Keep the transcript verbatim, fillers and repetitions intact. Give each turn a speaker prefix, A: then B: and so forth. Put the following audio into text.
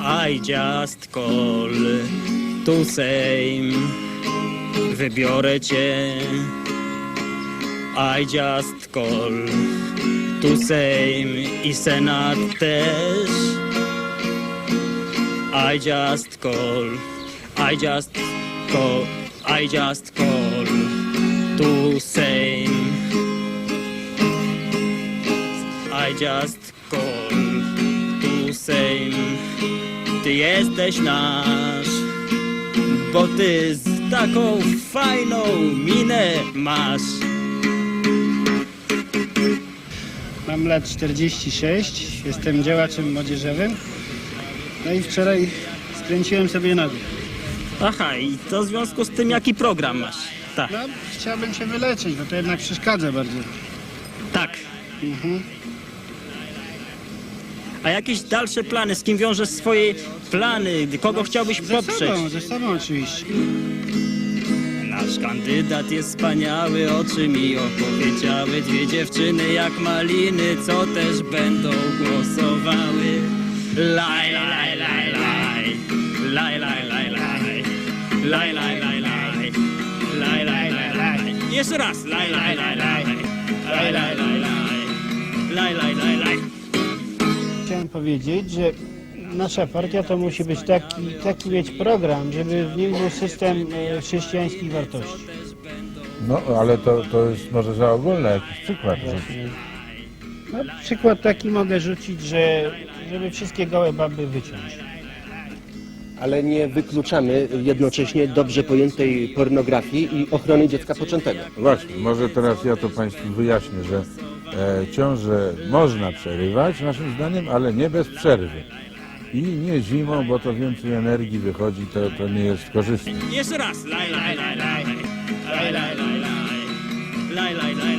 A: I just call to same. Wybiorę cię. I just call to same. I Senat też. I just call. I just call. I just call to same. I just call to same. Ty jesteś nasz, bo ty z taką fajną minę masz.
B: Mam lat czterdzieści sześć, jestem działaczem młodzieżowym. No i wczoraj skręciłem sobie nogę.
A: Aha, i to w związku z tym jaki program masz? Tak,
B: No, chciałbym się wyleczyć, bo to jednak przeszkadza bardzo.
A: tak.
B: Mhm.
A: A jakieś dalsze plany? Z kim wiążesz swoje plany? Kogo chciałbyś
B: Ze
A: poprzeć?
B: sobą, ze sobą oczywiście.
A: Nasz kandydat jest wspaniały, oczy mi opowiedziały. Dwie dziewczyny jak maliny, co też będą głosowały. Laj, laj, laj, laj, laj, laj, laj, laj, laj, laj, laj, laj, laj, laj, laj, laj. Jeszcze raz. Laj, laj, laj, laj, laj, laj, laj, laj, laj, laj, laj.
B: Chciałem powiedzieć, że nasza partia to musi być taki, taki mieć program, żeby w nim był system e, chrześcijańskich wartości.
C: No, ale to, to jest może za ogólne jakiś przykład. Że...
B: No, przykład taki mogę rzucić, że żeby wszystkie gołe baby wyciąć.
D: Ale nie wykluczamy jednocześnie dobrze pojętej pornografii i ochrony dziecka poczętego.
C: Właśnie, może teraz ja to Państwu wyjaśnię, że e, ciążę można przerywać, naszym zdaniem, ale nie bez przerwy. I nie zimą, bo to więcej energii wychodzi, to, to nie jest korzystne.
A: Jeszcze raz. Laj, laj, laj, laj, laj, laj, laj, laj, laj, laj, laj.